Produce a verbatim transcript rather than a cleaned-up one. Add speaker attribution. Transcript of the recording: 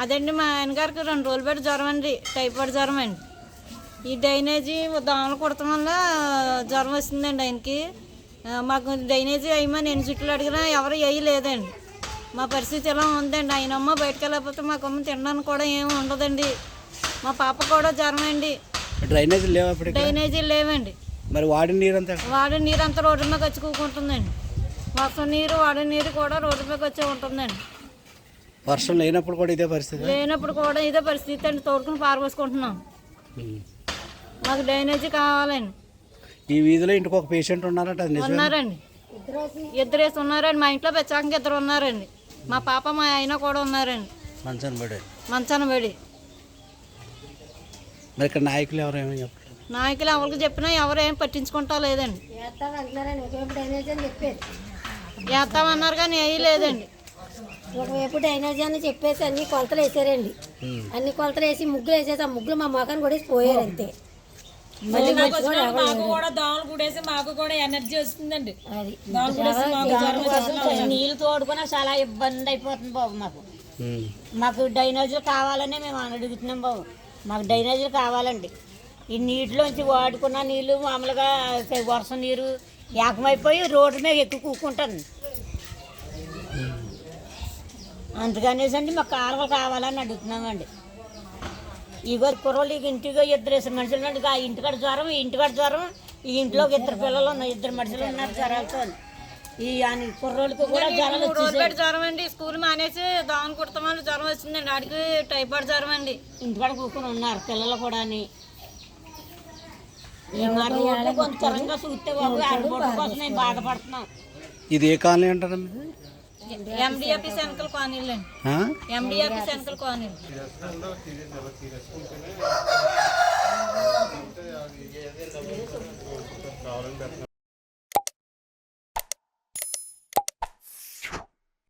Speaker 1: అదండి మా ఆయనగారికి రెండు రోజులు పెట్టి జ్వరం అండి, టైఫాయిడ్ జ్వరం అండి. ఈ డ్రైనేజీ దోమలు కుడటం వల్ల జ్వరం వస్తుందండి ఆయనకి. మాకు డ్రైనేజీ వేయమని ఎన్ని చుట్లు అడిగినా ఎవరు వేయలేదండి. మా పరిస్థితి ఎలా ఉందండి. ఆయన అమ్మ బయటకు వెళ్ళకపోతే మాకు అమ్మ తినడానికి కూడా ఏమి ఉండదండి. మా పాప కూడా జ్వరం అండి.
Speaker 2: డ్రైనేజీ లేవు,
Speaker 1: డ్రైనేజీ లేవండి.
Speaker 2: మరి వాడిన నీరు అంతా
Speaker 1: వాడిన నీరు అంతా రోడ్డు మీద వచ్చి కూకుంటుందండి. వర్షం నీరు వాడిన నీరు కూడా రోడ్డు మీద వచ్చే ఉంటుందండి.
Speaker 2: వర్షం లేనప్పుడు కూడా ఇదే పరిస్థితి
Speaker 1: లేనప్పుడు కూడా ఇదే పరిస్థితి అండి. తోడుకుని పారబోసుకుంటున్నాం. మాకు డ్రైనేజీ కావాలండి.
Speaker 2: ఈ వీధిలో ఇంటికి ఒక పేషెంట్ ఉన్నారంట,
Speaker 1: ఉన్నారండి, ఇద్దరేసి ఉన్నారండి. మా ఇంట్లో పెచ్చాకంగా ఇద్దరు ఉన్నారండి. మా పాప మా ఆయన కూడా ఉన్నారండి
Speaker 2: మంచాన పడి
Speaker 1: మంచాన పడి.
Speaker 2: మరి ఇక్కడ నాయకులు ఎవరేమో చెప్పలేదు.
Speaker 1: నాయకులు ఎవరికి చెప్పినా ఎవరు ఏం పట్టించుకుంటా లేదండి. వేస్తామన్నారు కానీ వేయలేదండి.
Speaker 3: ఒకవైపు డ్రైనేజీ అని చెప్పేసి అన్ని కొలతలు వేసారండి. అన్ని కొలతలు వేసి ముగ్గులు వేసేసి ఆ ముగ్గులు మా మొఖాన్ని కూడా పోయారు అంతే.
Speaker 4: మాకు కూడా దోమలు కూడేసి మాకు కూడా ఎనర్జీ వస్తుందండి.
Speaker 5: నీళ్ళు తోడుకున్నా చాలా ఇబ్బంది అయిపోతుంది బాబు. మాకు మాకు డ్రైనేజీలు కావాలనే మేము అడుగుతున్నాం బాబు. మాకు డ్రైనేజీలు కావాలండి. ఈ నీటిలోంచి వాడుకున్న నీళ్ళు మామూలుగా వర్షం నీరు ఏకమైపోయి రోడ్డు మీద ఎక్కువ కూకుంటుంది. అందుకనేసి అండి మాకు కాలువలు కావాలని అడుగుతున్నామండి. ఇగో కుర్రోళ్ళు ఇంటిగా ఇద్దరు ఇద్దరు మనుషులు ఉన్నాడు. ఆ ఇంటికాడ జ్వరం, ఈ ఇంటికాడ జ్వరం, ఈ ఇంట్లో ఇద్దరు పిల్లలు ఉన్నారు, ఇద్దరు మనుషులు ఉన్నారు జ్వరాలతో. ఈ కుర్రోళ్ళకి కూడా జ్వరం
Speaker 1: వచ్చేసి జ్వరం అండి. స్కూల్ మానేసి దోమలు కుడతామని జ్వరం వచ్చిందండి. ఆడికి టైఫాయిడ్ జ్వరం అండి.
Speaker 5: ఇంటికాడ కూర్చొని ఉన్నారు పిల్లలు కూడా. ఈ మరి కొంచెం త్వరగా చూస్తే బాబు ఆడబోటు కోసం మేము బాధపడుతున్నాం.
Speaker 2: ఇది ఏ కాలనీ అంటారా?
Speaker 1: ఎండిఎఫ్ సెంకల్ కాలనీలు అండి. ఎండిఎఫ్ సెంకల్ కాలనీలు.